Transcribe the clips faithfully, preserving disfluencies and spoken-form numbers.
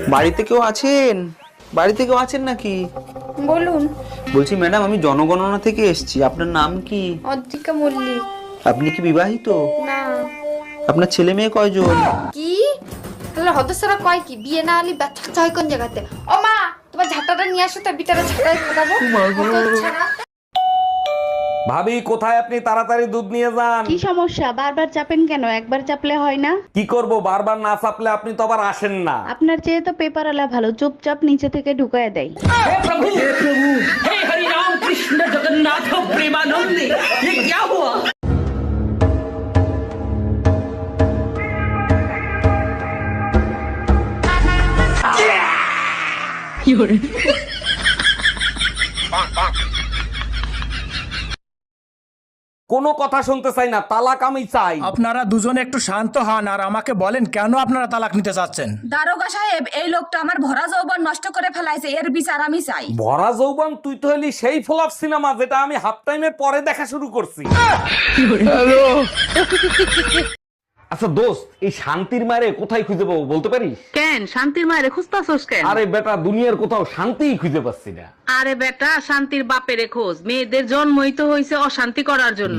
বাড়িতে কেউ আছেন? বাড়িতে কেউ আছেন নাকি? বলুন। বলছি ম্যাডাম, আমি জনগণনা থেকে এসেছি। আপনার নাম কি? অদ্রিকা মল্লিক। আপনি কি বিবাহিত? না। আপনার ছেলে মেয়ে কয়জন? কি তাহলে হদসরা কয় কি বিয়ে না হলে বাচ্চা চাই কোন জায়গাতে? ও মা, তোমার ঝাঁটাটা নিয়ে আসো, তার বিটারে ঝাঁটাই ফোটাবো। ভাবি কোথায় আপনি? তাড়াতাড়ি দুধ নিয়ে যান। কি সমস্যা? বারবার চাপেন কেন? একবার চাপলে হয় না? কি করব, বারবার না চাপলে আপনি তো আবার আসেন না। আপনার চেয়ে তো পেপারওয়ালা ভালো, চুপচাপ নিচে থেকে ঢুকায় দেয়। हे हरि राम कृष्ण जगन्नाथ प्रेमानंद, ये क्या हुआ? কোনো কথা শুনতে চাই না, তালাক আমি চাই। আপনারা দুজনে একটু শান্ত হন আর আমাকে বলেন কেন আপনারা তালাক নিতে চাচ্ছেন। দারোগা সাহেব, এই লোকটা আমার ভরা যৌবন নষ্ট করে ফেলাইছে, এর বিচার আমি চাই। ভরা যৌবন? তুই তো হলি সেই ফ্লপ সিনেমা যেটা আমি হাফ টাইমের পরে দেখা শুরু করছি। আচ্ছা দোস্ত, এই শান্তির মারে কোথায় খুঁজে পাবো বলতে পারিস? কেন শান্তির মায়ের খুঁজতাছস কেন? আরে বেটা, দুনিয়ার কোথাও শান্তিই খুঁজে পাচ্ছি না। আরে বেটা, শান্তির বাপেরে খোঁজ। মেয়েদের জন্মই তো হয়েছে অশান্তি করার জন্য।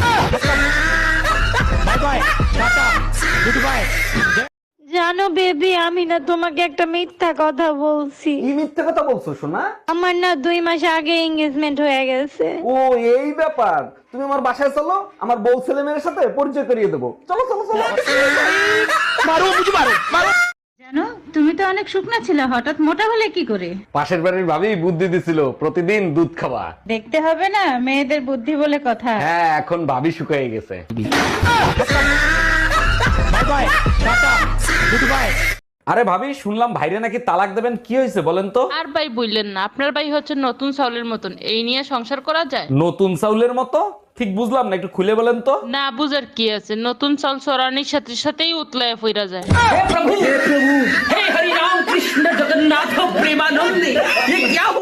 জানো বেবি, আমি না তোমাকে একটা মিথ্যা কথা বলছি। কি মিথ্যে কথা বলছো সোনা? আমার না দুই মাস আগে এঙ্গেজমেন্ট হয়ে গেছে। ও এই ব্যাপার। তুমি আমার বাসায় চলো, আমার বউ ছেলে মেয়ের সাথে পরিচয় করিয়ে দেবো। চলো চলো চলো। মারো বুঝি মারো মারো। জানো, তুমি তো অনেক শুকনা ছিলে, হঠাৎ মোটা হলে কি করে? পাশের বাড়ির ভাবি বুদ্ধি দিছিল, প্রতিদিন দুধ খাওয়া। দেখতে হবে না, মেয়েদের বুদ্ধি বলে কথা। হ্যাঁ, এখন ভাবি শুকিয়ে গেছে। আরে ভাবি, শুনলাম ভাইরে নাকি তালাক দেবেন, কি হয়েছে বলেন তো? আর ভাই বললেন না, আপনার ভাই হচ্ছে নতুন চাউলের মতন, এই নিয়ে সংসার করা যায়? নতুন চাউলের মতো? ঠিক বুঝলাম না, একটু খুলে বলেন তো। না বুঝার কি আছে, নতুন চাল চড়ানির সাথে সাথেই উতলায় ফিরা যায়। हे प्रभु हे हरि राम कृष्ण जगन्नाथ प्रेमानंद, ये क्या हुआ?